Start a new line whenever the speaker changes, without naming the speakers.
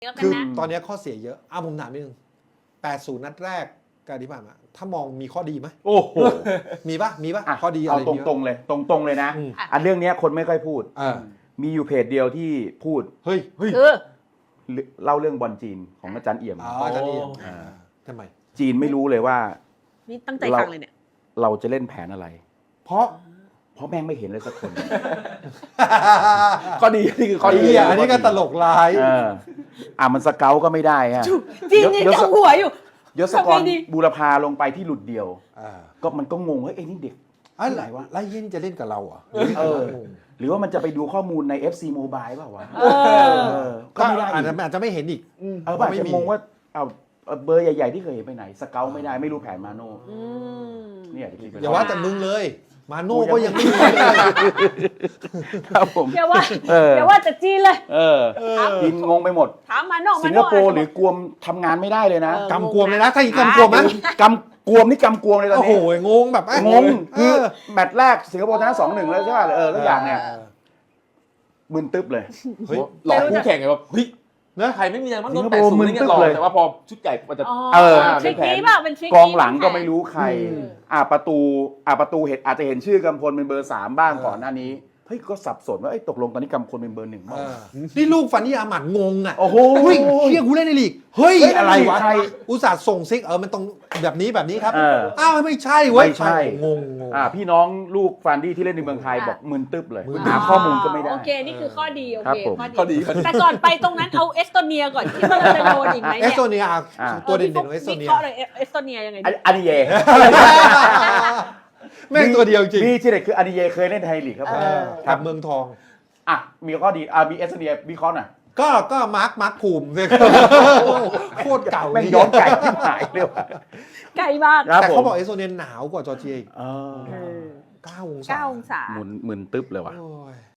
คือตอนนี้ข้อเสียเยอะผมถามนิดนึง80 นัดแรกการที่ผ่านมาถ้ามองมีข้อดีไหม
โอ้โห
มีปะข้อดีอะ
เอา
ไร
ตรงๆเลยตรงๆเลยนะอันเรื่องนี้คนไม่ค่อยพูดมีอยู่เพจเดียวที่พูด
เฮ้ย
คือ
เล่าเรื่องบอลจีนของอาจารย์เอี่ยม
อาจารย์เอี่ยมทำไม
จีนไม่รู้เลยว่า
นี่ตั้งใจฟังเลยเนี่ย
เราจะเล่นแผนอะไร เพราะแม่งไม่เห็นเลยสักคน
ข้อดีนี่คือข้อดี
อันนี้ก็ตลกร้าย
มันสเกลก็ไม่ได้ฮะ
จริงยังจังหัวอยู่
ยศกรบูรพาลงไปที่หลุดเดียวก็มันก็งงว่านี่เด็กอะไรวะ
ไล่เย็นจะเล่นกับเราอ่ะ
หรือว่ามันจะไปดูข้อมูลใน FC Mobile เปล่าวะก็
ก็
ไม่ได้
อาจจะไม่เห็นอีก
อาจจะงงว่าเบอร์ใหญ่ๆที่เคยเห็นไปไหนสเกลไม่ได้ไม่รู้แผนมาโน่เนี่ย
อย่าว่าแต่มึงเลยมาโน่ก็ยังไม่รู้เลย
ครับผม
อย่าว่าแต่จีนเลย
จีนงงไปหมด
ถามมาโน่
สิงคโปร์หรือกวมทำงานไม่ได้เลยนะ
กำกวมเลยนะถ้าอีกกำกวมนะ
กำกวมนี่กำกวมเลยตอน
โอ้โห
นี้
งงแบบ
งงคือแมตช์แรกสิงคโปร์ชนะ 2-1 แล้วใช่ป่ะแล้วอย่างเนี่ยมึนตึ๊บเลย
หลอกคู่แข่งไงแบบเฮ้ยไทยไม่มีอะไรมันโดน80นี่ไงหลอกแต่ว่าพอชุดใหญ่มันจะ
ทริคนี้ป่ะเป็นทริค
กองหลังก็ไม่รู้ใครประตูเห็นอาจจะเห็นชื่อกำพลเป็นเบอร์ 3บ้างก่อนหน้านี้เฮ้ยก็สับสนว่าตกลงตอนนี้กำพลเป็นเบอร์ 1บ้าง
นี่ลูกฟันนี่อาหมัดงงอ่ะ
โอ้โห
เฮ้ยเชี่ยกูเล่นในลีกเฮ้ยอะไรวะ
ใคร
อุตส่าห์ส่งซิกมันตรงแบบนี้ครับอ้าวไม่ใช่เว้ย
ไม่ใช่
งง
พี่น้องลูกฟันดี้ที่เล่นในเมืองไทยบอกมึนตึ๊บเลยหาข้อมูลก็ไม่ได้
โอเคนี่คือข้อดีโอ
ครับ
เค
ผม
ข้อดี
แต่ก่อนไปตรงนั้นเอาเอสโตเนียก่อนคิดว่าเราจะโดนอีกไหม
เอ
เนี่
สโตเนียตัวเด่นของเอสโตเนีย
วิเคราะห์เลยเอสโตเนียยังไง
อันนี้เย่
แม่งตัวเดียวจริง
มีที่เด็ดคืออันนี้เย่เคยเล่นไทยลีกครับผม
กับเมืองทอง
มีข้อดีมีเอสเนียวิเคราะห์หน่อย
ก็มาร์คภูมิโคตรเก่า
แม่งย้อนไก่ที่หายเลยว่ะ
ไกลมาก
แต่เขาบอกเอสโตเนียหนาวกว่าจอร์เจียอีก9 องศา
9 องศา
มึนตึ๊บเลยว่ะ
โอ้ย